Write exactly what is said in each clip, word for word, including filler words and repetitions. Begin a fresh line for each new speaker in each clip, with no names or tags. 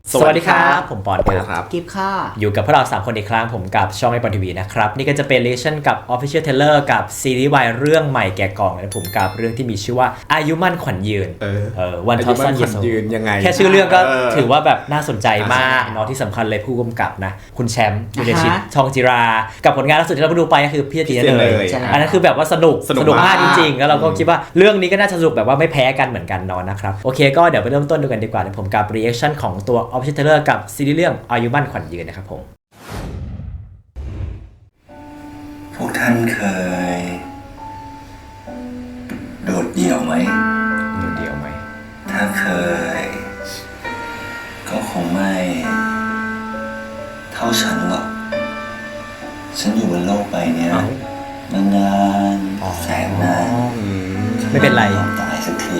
สวัสดีครับผมปอนครับ
กิฟค่ะ
อยู่กับพวกเราสามคนอีกครั้งผมกับช่องไอปอนทีวีนะครับนี่ก็จะเป็นรีแอคชั่นกับ Official Trailer กับซีรีส์วายเรื่องใหม่แกะกล่องนะผมกับเรื่องที่มีชื่อว่าอายุมั่นขวัญยืน
เออ
เออวันทอสัน
ขวัญยืนยังไง
แค่ชื่อเรื่องก็ถือว่าแบบน่าสนใจมากเนาะที่สำคัญเลยผู้กำกับนะคุณแชมป์ยูเนชิตทองจิรากับผลงานล่าสุดที่เราไปดูไปก็คือพี่ตีเลยอันนั้นคือแบบว่าสนุกสนุกมากจริงๆแล้วเราก็คิดว่าเรื่องนี้ก็น่าจะสนุกแบบว่าไม่แพ้กันเหมือนกันเนาะนะครับโอเคก็เดี๋ยวไปเริ่มต้นดูกันดีกว่าผมกับรีแอคชั่นของตัว Official Trailer กับซีรีส์เรื่องอายุมั่นขวัญยืนนะครับผม
พวกท่านเคยโดดเดี่ยวไหม
โดดเดี่ยวไหม
ถ้าเคยก็คงไม่เท่าฉันหรอกฉันอยู่บนโลกใบนี้มานานแสนนาน
ไม่เป็นไร
ตายสักที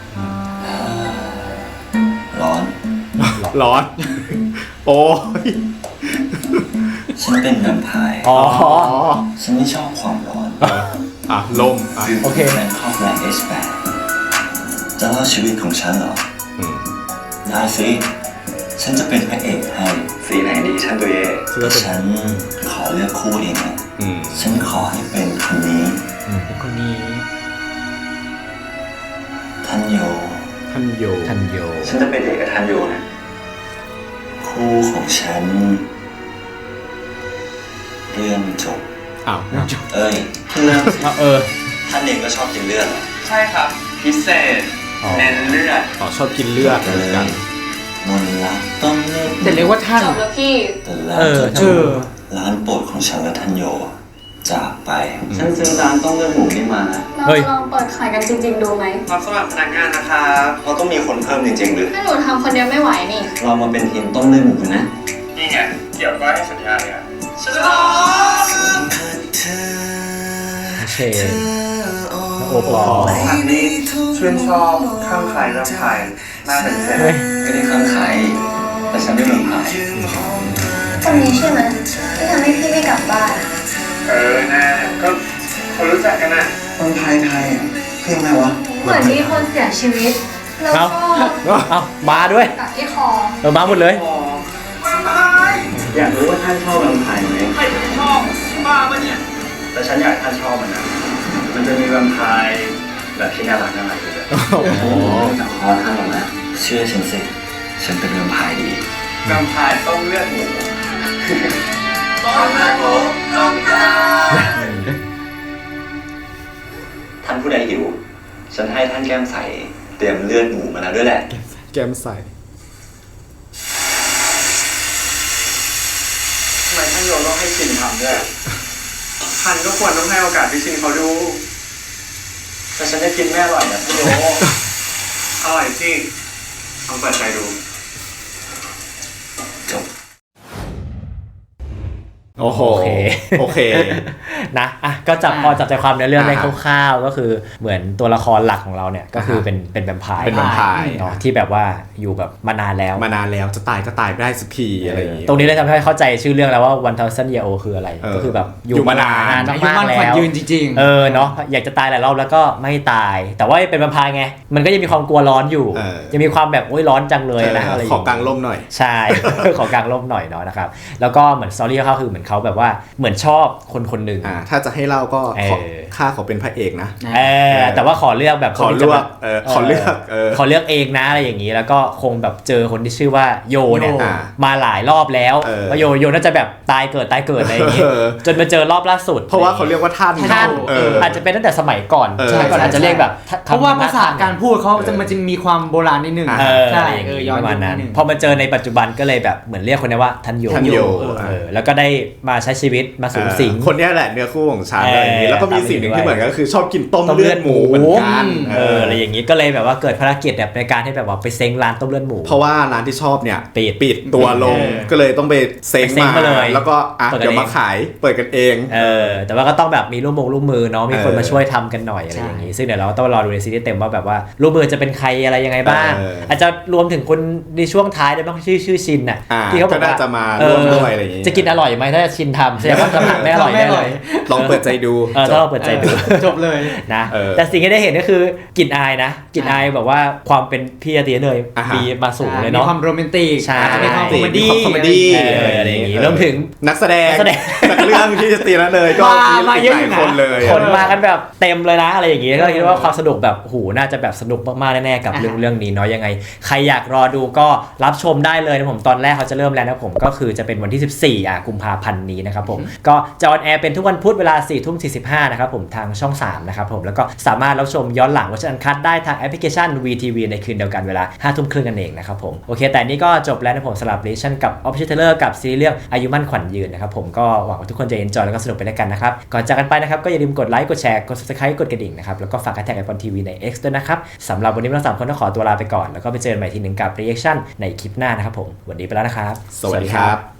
ร้อน
ร้อนโอ้ย
ฉันเป็นแวมไพร์
อ๋อ
ฉันไม่ชอบความร้อน
อ่ะลมอ่ะ
โอเคแมนคอฟแรงเอชแปดจะเล่าชีวิตของฉันเหรอได้สิฉันจะเป็นพระเอกให้สีไหนดีฉันตัวเองฉันขอเลือกคู่เองนะฉันขอให้เป็นคนนี้
เป็นคนนี้
ทันโย
ทันโย
ทันโย
ฉันจะเป็นเอกกับทันโยนะคู่ของฉันเรื่องจบ
อ้าว
เอ้ยเพื่อน
เออ
ท่านเองก็ชอบกินเลือด
ใช่ครับพิเศษเน้นเลือด
อ๋อชอบกินเลือดเหมือนกัน
มนรักต้องเลือด
แต่เรียกว่าท่าน
จบแล้วพี่
เออเออร้านโปรดของฉันและทันโยจากไปฉันซื้อร้านต้องเลือดหมูนี่มา
เราจะลองเปิดขายกันจริงๆดูไหมรับสมัครพนักงานนะครับ
เราต้องมีคนเพิ่มจริงๆหรือ
ถ้าหนูทำคนเดียวไม่ไหวนี่
เรามาเป็นทีมต้มเลือดหมูนะ
นี่ไงเกี่ยวก็ให้สัญญาเลยอะฉลอง
เชนโอ้โห
อันนี้ชื่นชอบข้างใครเรื่องใครน่าเป็นเซน
ไม่ได้ข้างใครแต่ฉันไม่เมืองใคร
คนนี้ใช่ไหมที่ทำให้พี่ไม่กลับบ้านเออน่าก็คนรู้จักกันน่ะ
คนไทยไทยเพลงอะไรวะ
เหมือนมีคนเสียชีวิตแล้วก็
เอามาด้วย
กับที่คอ
เออมาหมดเลย
อยากรู้ว่าท่านชอบแวมไพร์ไหม
ใครจะไม่ชอบบ้าปะเนี่ย
แต่ฉันอยากท่านชอบมันนะมันจะมีแวมไพร์แบบที่น่ารักน่ารักเลยโอ้โหแต่คอท่านหรอกนะเชื่อฉันสิฉันเป็นแวมไพร์ดี
แวมไพร์ต้องเลือดหมูต้องเลือดหมูต้องการ
ท่านผู้ใดหิวฉันให้ท่านแก้มใสเตรียมเลือดหมูมาแล้วด้วยแหละ
แก้มใส
ทำไมท่านโยต้องให้ชินทำด้วยท่านก็ควรต้องให้โอกาสพี่ชินเขาดู
แต่ฉันได้กินแม่อร่อยนะท่านโย
อร่อยจริงลองเปิดใจดู
จบ
โอเคโอเค
นะอ่ะก็จับพอจับใจความในเรื่องได้คร่าวๆก็คือเหมือนตัวละครหลักของเราเนี่ยก็คือเป็นเป็นแวมไพร์
เป็นแวมไพร์
เนาะที่แบบว่าอยู่แบบมานานแล้ว
มานานแล้วจะตายก็ตายไม่ได้สักทีอะไรอย่างเงี้ย
ตรงนี้เลยทำให้เข้าใจชื่อเรื่องแล้วว่า one thousand year old คืออะไรก็คือแบบ
อยู่มานาน
มากๆแล้ว
ยืนจริง
ๆเออเนาะอยากจะตายหลายรอบแล้วก็ไม่ตายแต่ว่าเป็นแวมไพร์ไงมันก็ยังมีความกลัวร้อนอยู่ยังมีความแบบโอ๊ยร้อนจังเลยนะอะไร
ขอกางร่มหน่อย
ใช่ขอกางร่มหน่อยเนาะนะครับแล้วก็เหมือนสตอรี่เขาคือเหมือนเขาแบบว่าเหมือนชอบคนคนหนึ่ง
ถ้าจะให้เล่าก็ข้าขอเป็นพระเอกนะ
เออแต่ว่าขอเลือกแบบ
ขอเลือกขอเลือก
ขอเลือกเองนะอะไรอย่างนี้แล้วก็คงแบบเจอคนที่ชื่อว่าโยเนี่ยมาหลายรอบแล้วว่าโยโยน่าจะแบบตายเกิดตายเกิดอะไรอย่างนี้จนมาเจอรอบล่าสุด
เพราะว่าเขาเรียกว่าท่าน
ท่านอาจจะเป็นตั้งแต่สมัยก่อนใช่ก่อนอาจจะเรียกแบบ
เพราะว่าภาษาการพูดเขาจะมันจะมีความโบราณนิดนึง
ใช่เออย้อนมานั้นพอมาเจอในปัจจุบันก็เลยแบบเหมือนเรียกคนนี้ว่าท่านโยแล้วก็ได้มาใช้ชีวิตมาสูงสิง
คนนี้แหละเนื้อคู่ของฉันอะไรอย่างนี้แล้วก็มีสิ่งหนึ่งที่เหมือนกันก็คือชอบกินต้มเลือดหมูเหมือนกัน
เอออะไรอย่างนี้ก็เลยแบบว่าเกิดภารกิจแบบในการให้แบบว่าไปเซ้งร้านต้มเลือดหมู
เพราะว่าร้านที่ชอบเนี่ย
ปิด
ปิดตัวลงก็เลยต้องไปเซ้งมาเลยแล้วก็อ่ะเดี๋ยวมาขายเปิดกันเอง
เออแต่ว่าก็ต้องแบบมีร่วมมือร่วมมือเนาะมีคนมาช่วยทำกันหน่อยอะไรอย่างนี้ซึ่งเดี๋ยวเราต้องรอดูในซีรีส์เต็มว่าแบบว่าร่วมมือจะเป็นใครอะไรยังไงบ้างอาจจะรวมถึงคนในช่วงท้ายได้บ้างชื่อชื่อชินน่ะ
ที่เขาบอกว่าจะมาร่วมด้วยอะไรอย่างนี้
จะกินอร่อยไหมถ้าชินทำแสดงว่าทำอาหารไม่อร่อยแน่เลย
ลองเปิดใจดู
เออถ้าเราเปิดใจดู
จบเลย
นะแต่สิ่งที่ได้เห็นก็คือกลิ่นอายนะกลิ่นอายแบบว่าความเป็นพี่อาร์ตีเนยมีมาสูงเลยเนาะ
มีความโรแมนติกมีความคอมเมดี้
คอมเมดี้
อะไรอย่างงี้รวมถึง
นักแสดงจากเรื่องที่ตีแล้วเลยก็มีหลายคนเลย
คนมากันแบบเต็มเลยนะอะไรอย่างงี้ก็คิดว่าความสนุกแบบหูน่าจะแบบสนุกมากๆแน่ๆกับเรื่องเรื่องนี้เนาะยังไงใครอยากรอดูก็รับชมได้เลยนะผมตอนแรกเขาจะเริ่มแล้วนะผมก็คือจะเป็นวันที่สิบสี่อ่ะกุมภาพันธ์นี้นะครับผมก็จะออนแอร์เป็นทุกวันพุธเวลา สี่ทุ่มสี่สิบห้า นะครับผมทางช่องสามนะครับผมแล้วก็สามารถรับชมย้อนหลังเวอร์ชันอันคัทได้ทางแอปพลิเคชัน วี ที วี ในคืนเดียวกันเวลา ห้าทุ่มครึ่งกันเองนะครับผมโอเคแต่นี้ก็จบแล้วนะผมสำหรับรีแอคชั่นกับ Official Trailer กับซีรีส์เรื่องอายุมั่นขวัญยืนนะครับผมก็หวังว่าทุกคนจะ enjoy แล้วก็สนุกไปด้วยกันนะครับก่อนจากกันไปนะครับก็อย่าลืมกดไลค์กดแชร์กด Subscribe กดกระดิ่งนะครับแล้วก็ฝากแท็กไอปอนทีวีใน X ด้วยนะครับสำหรับวันนี้เราสามคนต้องขอตัวลาไปก่อนแล้วก็ไปเจอกันใหม่ทีหนึ่งกับ reaction ในคลิปหน้านะครับผมวันนี้ไปแล้วนะครับ
สวัสดีครับ